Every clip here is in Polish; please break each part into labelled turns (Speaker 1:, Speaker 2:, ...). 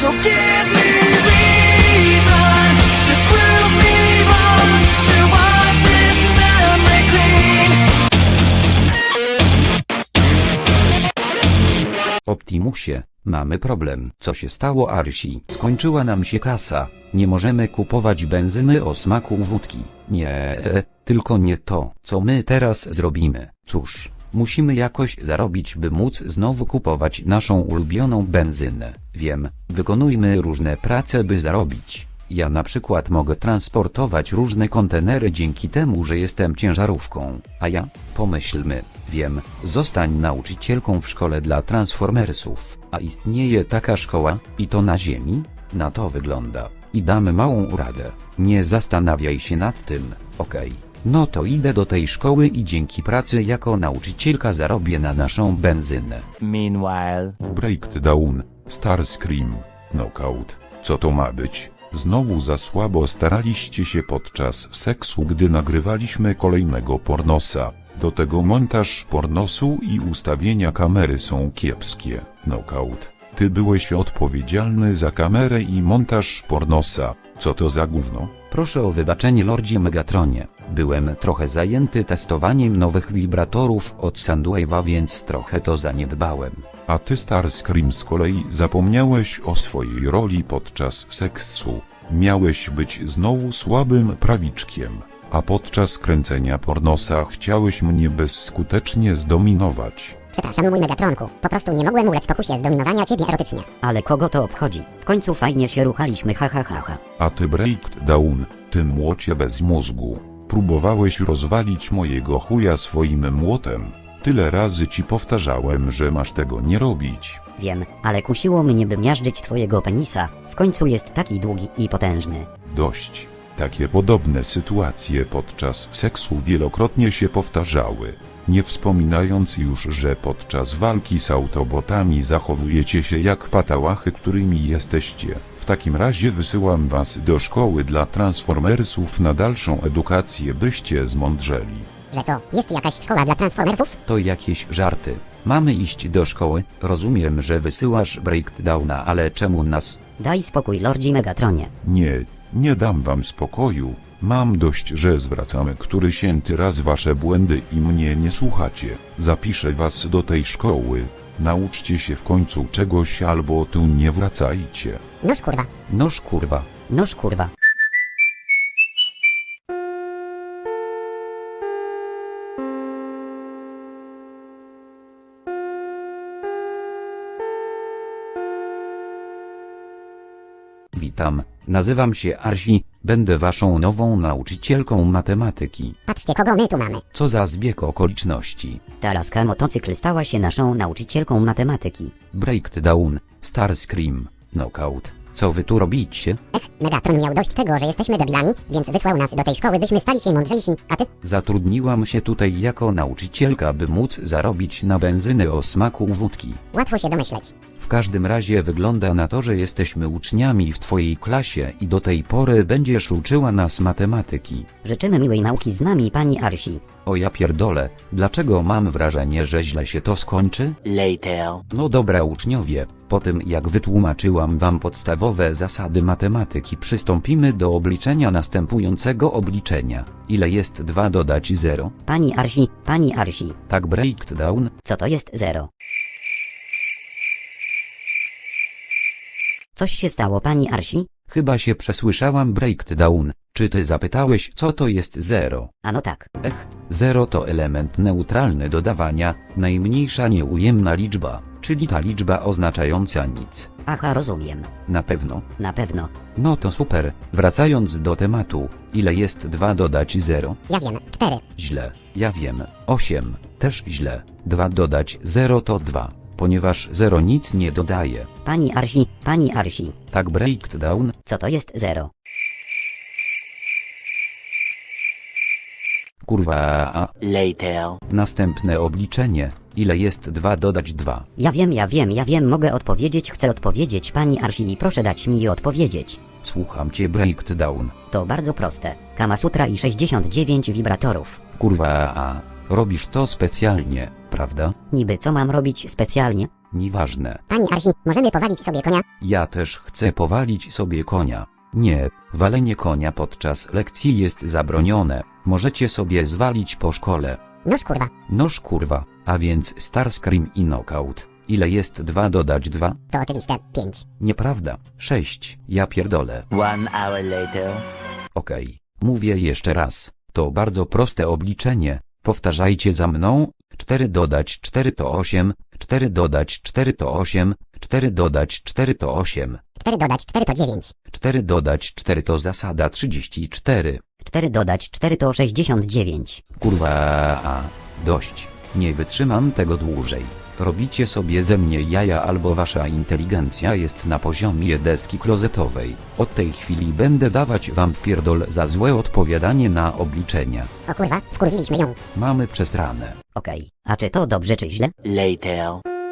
Speaker 1: So give me reason to prove me wrong, to wash this memory clean.
Speaker 2: Optimusie, mamy problem. Co się stało, Arsi? Skończyła nam się kasa. Nie możemy kupować benzyny o smaku wódki. Nie, tylko nie to, co my teraz zrobimy. Cóż, musimy jakoś zarobić, by móc znowu kupować naszą ulubioną benzynę. Wiem, wykonujmy różne prace, by zarobić. Ja na przykład mogę transportować różne kontenery dzięki temu, że jestem ciężarówką. A ja? Pomyślmy. Wiem, zostań nauczycielką w szkole dla Transformersów. A istnieje taka szkoła? I to na ziemi? Na to wygląda. I damy małą radę. Nie zastanawiaj się nad tym, okej. No to idę do tej szkoły i dzięki pracy jako nauczycielka zarobię na naszą benzynę.
Speaker 3: Meanwhile.
Speaker 4: Breakdown, Starscream, Knockout. Co to ma być? Znowu za słabo staraliście się podczas seksu, gdy nagrywaliśmy kolejnego pornosa. Do tego montaż pornosu i ustawienia kamery są kiepskie. Knockout. Ty byłeś odpowiedzialny za kamerę i montaż pornosa. Co to za gówno?
Speaker 2: Proszę o wybaczenie, Lordzie Megatronie. Byłem trochę zajęty testowaniem nowych wibratorów od Soundwave'a, więc trochę to zaniedbałem.
Speaker 4: A ty, Starscream, z kolei zapomniałeś o swojej roli podczas seksu. Miałeś być znowu słabym prawiczkiem, a podczas kręcenia pornosa chciałeś mnie bezskutecznie zdominować.
Speaker 5: Przepraszam, mój Megatronku. Po prostu nie mogłem ulec pokusie zdominowania ciebie erotycznie.
Speaker 6: Ale kogo to obchodzi? W końcu fajnie się ruchaliśmy, ha ha ha ha.
Speaker 4: A ty, Breakdown, ty młocie bez mózgu. Próbowałeś rozwalić mojego chuja swoim młotem. Tyle razy ci powtarzałem, że masz tego nie robić.
Speaker 6: Wiem, ale kusiło mnie, by miażdżyć twojego penisa. W końcu jest taki długi i potężny.
Speaker 4: Dość. Takie podobne sytuacje podczas seksu wielokrotnie się powtarzały. Nie wspominając już, że podczas walki z autobotami zachowujecie się jak patałachy, którymi jesteście. W takim razie wysyłam was do szkoły dla Transformersów na dalszą edukację, byście zmądrzeli.
Speaker 5: Że co, jest jakaś szkoła dla Transformersów?
Speaker 2: To jakieś żarty. Mamy iść do szkoły? Rozumiem, że wysyłasz Breakdowna, ale czemu nas?
Speaker 6: Daj spokój, Lordzie Megatronie.
Speaker 4: Nie dam wam spokoju. Mam dość, że zwracamy którysięty raz wasze błędy i mnie nie słuchacie. Zapiszę was do tej szkoły. Nauczcie się w końcu czegoś albo tu nie wracajcie.
Speaker 5: Noż kurwa.
Speaker 2: Noż kurwa.
Speaker 6: Noż kurwa.
Speaker 2: Witam, nazywam się Arsi, będę waszą nową nauczycielką matematyki.
Speaker 5: Patrzcie, kogo my tu mamy.
Speaker 2: Co za zbieg okoliczności.
Speaker 6: Ta laska motocykl stała się naszą nauczycielką matematyki.
Speaker 2: Breakdown, Starscream, Knockout. Co wy tu robicie?
Speaker 5: Megatron miał dość tego, że jesteśmy debilami, więc wysłał nas do tej szkoły, byśmy stali się mądrzejsi, a ty?
Speaker 2: Zatrudniłam się tutaj jako nauczycielka, by móc zarobić na benzynę o smaku wódki.
Speaker 5: Łatwo się domyśleć.
Speaker 2: W każdym razie wygląda na to, że jesteśmy uczniami w twojej klasie i do tej pory będziesz uczyła nas matematyki.
Speaker 6: Życzymy miłej nauki z nami, pani Arsi.
Speaker 2: O ja pierdolę, dlaczego mam wrażenie, że źle się to skończy?
Speaker 3: Later.
Speaker 2: No dobra uczniowie, po tym jak wytłumaczyłam wam podstawowe zasady matematyki, przystąpimy do obliczenia następującego obliczenia. Ile jest 2 dodać 0?
Speaker 6: Pani Arsi.
Speaker 2: Tak, Breakdown.
Speaker 6: Co to jest 0? Coś się stało, pani Arsi?
Speaker 2: Chyba się przesłyszałam, Breakdown. Czy ty zapytałeś, co to jest 0?
Speaker 6: Ano tak.
Speaker 2: 0 to element neutralny dodawania, najmniejsza nieujemna liczba, czyli ta liczba oznaczająca nic.
Speaker 6: Aha, rozumiem.
Speaker 2: Na pewno?
Speaker 6: Na pewno.
Speaker 2: No to super. Wracając do tematu, ile jest 2 dodać 0?
Speaker 5: Ja wiem, 4.
Speaker 2: Źle. Ja wiem. 8. Też źle. 2 dodać 0 to 2. Ponieważ 0 nic nie dodaje.
Speaker 6: Pani Arsi.
Speaker 2: Tak, Breakdown.
Speaker 6: Co to jest 0?
Speaker 2: Kurwa.
Speaker 3: Later.
Speaker 2: Następne obliczenie. Ile jest 2 dodać 2?
Speaker 6: Ja wiem, mogę odpowiedzieć, chcę odpowiedzieć, pani Arsi, proszę dać mi odpowiedzieć.
Speaker 2: Słucham cię, Breakdown.
Speaker 6: To bardzo proste. Kamasutra i 69 wibratorów.
Speaker 2: Kurwa. Robisz to specjalnie, prawda?
Speaker 6: Niby co mam robić specjalnie?
Speaker 2: Nieważne.
Speaker 5: Pani Arsi, możemy powalić sobie konia?
Speaker 2: Ja też chcę powalić sobie konia. Nie, walenie konia podczas lekcji jest zabronione. Możecie sobie zwalić po szkole.
Speaker 5: Noż kurwa.
Speaker 2: Noż kurwa, a więc Starscream i Knockout. Ile jest 2 dodać 2?
Speaker 5: To oczywiste. 5.
Speaker 2: Nieprawda. 6. Ja pierdolę.
Speaker 3: 1 hour later.
Speaker 2: Okej. Mówię jeszcze raz. To bardzo proste obliczenie. Powtarzajcie za mną. 4 dodać 4 to 8. 4 dodać 4 to 8. 4 dodać 4 to 8.
Speaker 5: 4 dodać 4 to 9.
Speaker 2: 4 dodać 4 to zasada 34.
Speaker 6: 4 dodać 4 to 69.
Speaker 2: Kurwa, dość. Nie wytrzymam tego dłużej. Robicie sobie ze mnie jaja albo wasza inteligencja jest na poziomie deski klozetowej. Od tej chwili będę dawać wam wpierdol za złe odpowiadanie na obliczenia.
Speaker 5: O kurwa, wkurwiliśmy ją.
Speaker 2: Mamy przesrane.
Speaker 6: Okej, a czy to dobrze czy źle?
Speaker 3: Later.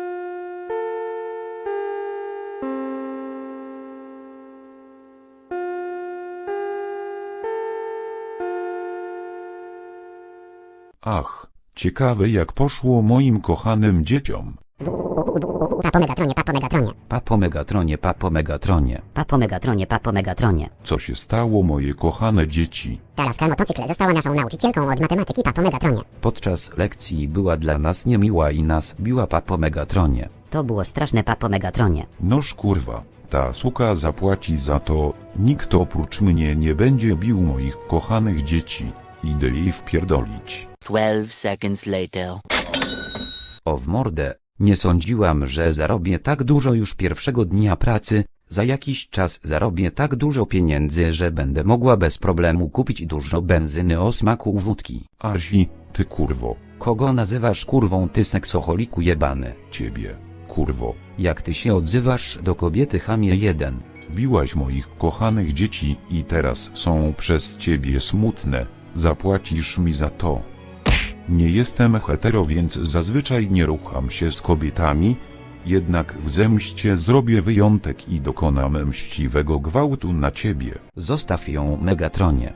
Speaker 4: Ach, ciekawe jak poszło moim kochanym dzieciom.
Speaker 5: Papo Megatronie, papo Megatronie.
Speaker 2: Papo Megatronie, papo Megatronie.
Speaker 6: Papo Megatronie, papo Megatronie.
Speaker 4: Co się stało moje kochane dzieci?
Speaker 5: Ta laska motocykl została naszą nauczycielką od matematyki papo Megatronie.
Speaker 2: Podczas lekcji była dla nas niemiła i nas biła papo Megatronie.
Speaker 6: To było straszne, papo Megatronie.
Speaker 4: Noż kurwa, ta suka zapłaci za to, nikt oprócz mnie nie będzie bił moich kochanych dzieci. Idę jej wpierdolić.
Speaker 3: 12 seconds later.
Speaker 2: O w mordę, nie sądziłam, że zarobię tak dużo już pierwszego dnia pracy. Za jakiś czas zarobię tak dużo pieniędzy, że będę mogła bez problemu kupić dużo benzyny o smaku wódki.
Speaker 4: Arsi, ty kurwo,
Speaker 2: Kogo nazywasz kurwą, ty seksoholiku jebany?
Speaker 4: ciebie, kurwo.
Speaker 2: Jak ty się odzywasz do kobiety, chamie jeden?
Speaker 4: Biłaś moich kochanych dzieci i teraz są przez ciebie smutne. Zapłacisz mi za to. Nie jestem hetero, więc zazwyczaj nie rucham się z kobietami, jednak w zemście zrobię wyjątek i dokonam mściwego gwałtu na ciebie.
Speaker 2: Zostaw ją, Megatronie.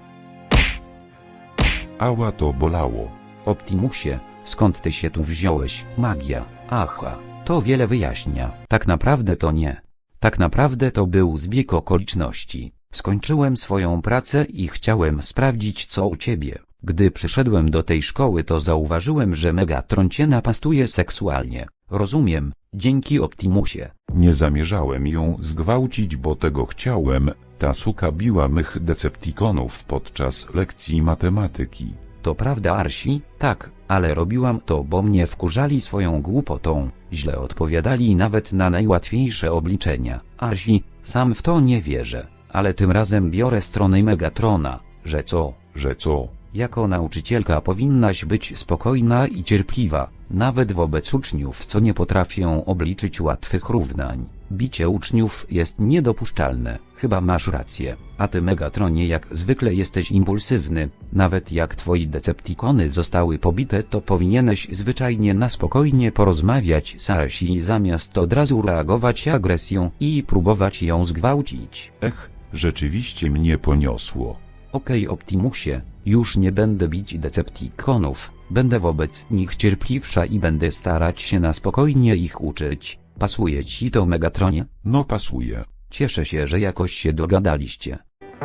Speaker 4: Ała, to bolało.
Speaker 2: Optimusie, skąd ty się tu wziąłeś? Magia. Aha, to wiele wyjaśnia. Tak naprawdę to nie. Tak naprawdę to był zbieg okoliczności. Skończyłem swoją pracę i chciałem sprawdzić, co u ciebie. Gdy przyszedłem do tej szkoły, to zauważyłem, że Megatron cię napastuje seksualnie. Rozumiem, dzięki Optimusie.
Speaker 4: Nie zamierzałem ją zgwałcić, bo tego chciałem. Ta suka biła mych Decepticonów podczas lekcji matematyki.
Speaker 2: To prawda, Arsi? Tak, ale robiłam to, bo mnie wkurzali swoją głupotą. Źle odpowiadali nawet na najłatwiejsze obliczenia. Arsi, sam w to nie wierzę. Ale tym razem biorę stronę Megatrona, że co?
Speaker 4: Że co?
Speaker 2: Jako nauczycielka powinnaś być spokojna i cierpliwa, nawet wobec uczniów, co nie potrafią obliczyć łatwych równań. Bicie uczniów jest niedopuszczalne, chyba masz rację. A ty, Megatronie, jak zwykle jesteś impulsywny. Nawet jak twoi Decepticony zostały pobite, to powinieneś zwyczajnie na spokojnie porozmawiać z Arsi zamiast od razu reagować agresją i próbować ją zgwałcić.
Speaker 4: Ech, rzeczywiście mnie poniosło.
Speaker 2: Okej, Optimusie, już nie będę bić Decepticonów, będę wobec nich cierpliwsza i będę starać się na spokojnie ich uczyć. Pasuje ci to, Megatronie?
Speaker 4: No pasuje.
Speaker 2: Cieszę się, że jakoś się dogadaliście.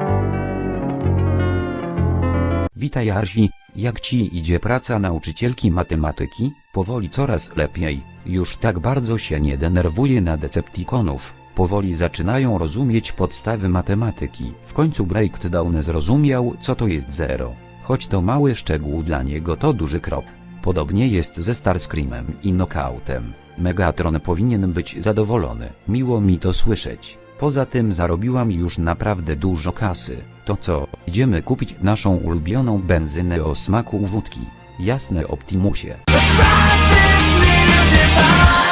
Speaker 2: Witaj, Arsi, jak ci idzie praca nauczycielki matematyki? Powoli coraz lepiej, już tak bardzo się nie denerwuję na Decepticonów. Powoli zaczynają rozumieć podstawy matematyki. W końcu Breakdown zrozumiał, co to jest zero. Choć to mały szczegół, dla niego to duży krok. Podobnie jest ze Starscreamem i Knockoutem. Megatron powinien być zadowolony. Miło mi to słyszeć. Poza tym zarobiłam już naprawdę dużo kasy. To co, idziemy kupić naszą ulubioną benzynę o smaku wódki? Jasne, Optimusie.
Speaker 1: Across this new divide.